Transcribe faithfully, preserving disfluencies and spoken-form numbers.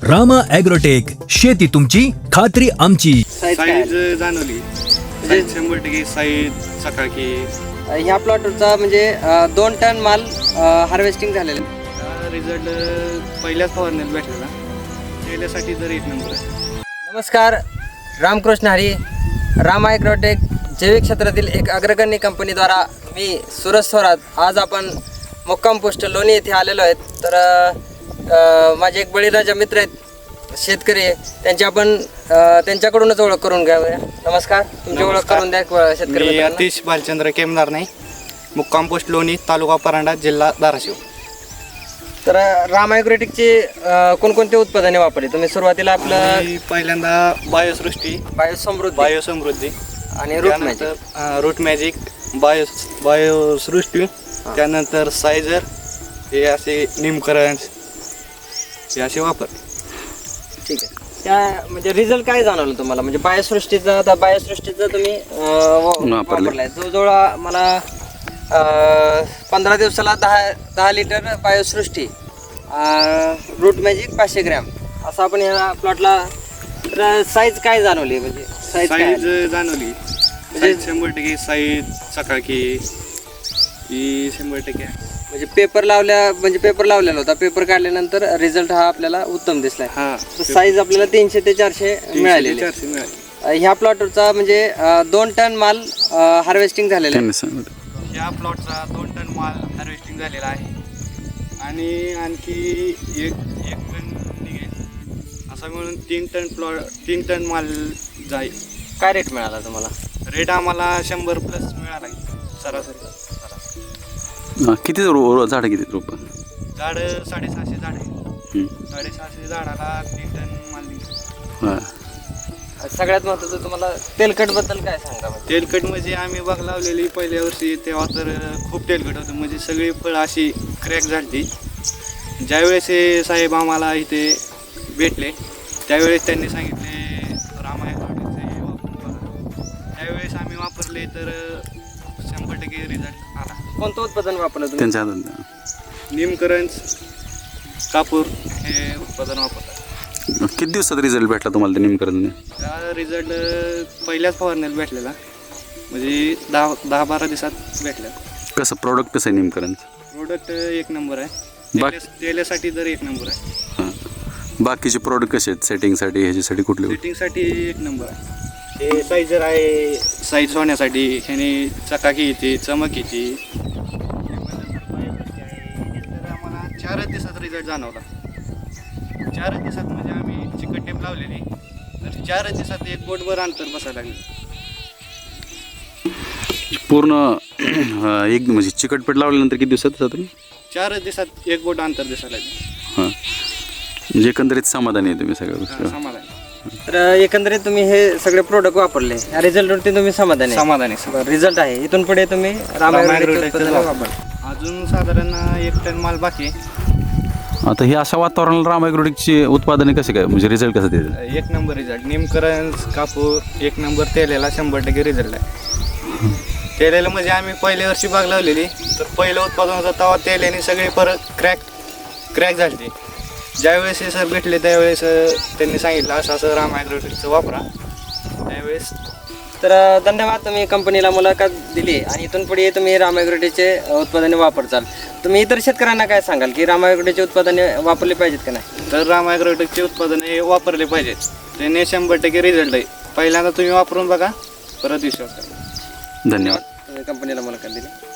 Rama agrotech, शेती तुमची खात्री आमची. साईज जाणवली, साईज शंभर टक्के साईज सकाळी. ह्या प्लॉटचा म्हणजे अं, दोन टन माल हार्वेस्टिंग झालेला आहे. रिझल्ट पहिल्याच फवारण्यात भेटलेला, त्यासाठी तर एक नंबर आहे. नमस्कार, रामकृष्ण हरी. रामा ॲग्रोटेक जैविक क्षेत्रातील एक अग्रगण्य कंपनीद्वारा मी सुरज स्वरात आज आपण मुक्काम पोस्ट लोणी येथे आलेलो आहेत. तर अ, माझे एक बळीराजा मित्र आहेत, शेतकरी आहे, त्यांची आपण अ, त्यांच्याकडूनच ओळख करून घ्यावया. नमस्कार, तुमची ओळख करून द्या शेतकरी मी मित्रांना. अतिश भालचंद्र केमदार नाही, मुक्काम पोस्ट लोणी, तालुका परांडा, जिल्हा धाराशिव. तर रामा ॲग्रोटेकची अ, कोणकोणते उत्पादने वापरली तुम्ही? सुरुवातीला आपलं मी पहिल्यांदा बायोसृष्टी, बायोसमृद्धी बायोसमृद्धी आणि रूट मॅजिक, त्यानंतर रूट मॅजिक, बायो बायोसृष्टी, त्यानंतर सायझर, हे असे निमकरण, हे असे वापर. ठीक आहे. त्या म्हणजे रिझल्ट काय जाणवलं तुम्हाला? म्हणजे बायोसृष्टीचा आता बायोसृष्टीचा तुम्ही अं, वा- वापरलाय. जवळजवळ मला अं, पंधरा दिवसाला दहा दहा लिटर बायोसृष्टी, रूट मॅजिक पाचशे ग्रॅम असं आपण या प्लॉटला. तर साईज काय जाणवली? म्हणजे साईज काय साईज जाणवली, साईज शंभर टक्के साईज सकाळी ही शंभर टक्के आहे. म्हणजे पेपर लावल्या म्हणजे पेपर लावलेला होता, पेपर काढल्यानंतर रिझल्ट हा आपल्याला उत्तम दिसलाय. हा, साईज आपल्याला तीनशे ते चारशे मिळालेली. चारशे मिळाले. अ, ह्या प्लॉटचा म्हणजे अ, दोन टन माल हार्वेस्टिंग झालेला आहे. या प्लॉटचा दोन टन माल हार्वेस्टिंग झालेला आहे आणि आणखी एक एक टन निघेल, असं मिळून तीन टन प्लॉट तीन टन माल जाईल. काय रेट मिळाला तुम्हाला? रेट आम्हाला शंभर प्लस मिळाला आहे सरासरी. किती रो झाड किती रोप? झाड साडेसहाशे झाड आहे. साडेसहाशे झाडाला तीन टन माल निघेल. हां. सगळ्यात महत्त्वाचं तुम्हाला तेलकट बद्दल काय सांगा? म्हणजे तेलकट म्हणजे आम्ही बाग लावलेली पहिल्या वर्षी, तेव्हा तर खूप तेलकट होतं, म्हणजे सगळी फळं अशी क्रॅक झाली. ज्यावेळेस हे साहेब आम्हाला इथे भेटले त्यावेळेस त्यांनी सांगितले रामा ॲग्रोटेकचे वापरून बघा. त्यावेळेस आम्ही वापरले तर शंभर टक्के रिझल्ट आला. कोणतं उत्पादन वापरलं तुम्ही? त्यांच्या हातात निमकरंज, कापूर हे उत्पादन वापरतात. किती दिवसात रिझल्ट भेटला तुम्हाला ते निमकरंजने? त्या रिझल्ट पहिल्याच फवारण्यात भेटलेला, म्हणजे दहा दहा बारा दिवसात भेटला. कसं प्रोडक्ट कसं आहे निमकरंज? प्रोडक्ट एक नंबर आहे, बाक- तेल्या- तेल्यासाठी तर एक नंबर आहे. हां. बाकीचे प्रोडक्ट कसे आहेत सेटिंगसाठी, ह्याच्यासाठी कुठले? सेटिंगसाठी एक नंबर आहे. हे साईजर आहे, साईज होण्यासाठी, ह्याने चकाकी येते, चमक येते. तर आम्हाला चारच दिवसात रिझल्ट जाणवला. चारच दिवसात म्हणजे आम्ही चिकट टेप लावलेली, तर चारच दिवसात एक बोटभर अंतर बसायला लागले. पूर्ण अं, एक म्हणजे चिकटपट लावल्यानंतर किती दिवसात जातं? चारच दिवसात एक बोट अंतर दिसायला लागले. हां. म्हणजे एकंदरीत समाधानी आहे तुम्ही सगळ्या गोष्टी? समाधान तर एकंदरीत तुम्ही हे सगळे प्रोडक्ट वापरले, या रिझल्टवरती तुम्ही समाधानी आहे? समाधान आहे. रिझल्ट आहे. इथून पुढे तुम्ही रामा रामा ॲग्रोटेकचे ॲग्रोटेकचं उत्पादन वापर. वापर. अजून साधारण एक टन माल बाकी आहे. आता हे अशा वातावरणाला रामा ॲग्रोटेकची उत्पादने कसे काय, म्हणजे रिझल्ट कसं देतात? एक नंबर रिझल्ट. निमकरंज, कापूर एक नंबर, तेलेला शंभर टक्के रिझल्ट आहे. तेलेला म्हणजे आम्ही पहिल्या वर्षी बाग लावलेली, तर पहिलं उत्पादन होतं तेव्हा तेल्याने सगळे परत क्रॅक क्रॅक झाले. ज्यावेळेस हे सर भेटले त्यावेळेस त्यांनी सांगितलं असं असं रामा ॲग्रोटेकचं वापरा. त्यावेळेस तर धन्यवाद, तुम्ही कंपनीला मुलाखत दिली आणि इथून पुढे तुम्ही रामा ॲग्रोटेकचे उत्पादने वापरचाल. तुम्ही इतर शेतकऱ्यांना काय सांगाल की रामा ॲग्रोटेकचे उत्पादने वापरले पाहिजेत का नाही? तर रामा ॲग्रोटेकचे उत्पादन हे वापरले पाहिजेत, त्याने शंभर टक्के रिझल्ट आहे. पहिल्यांदा तुम्ही वापरून बघा, परत विश्वास करा. धन्यवाद. तुम्ही कंपनीला मुलाखत दिली.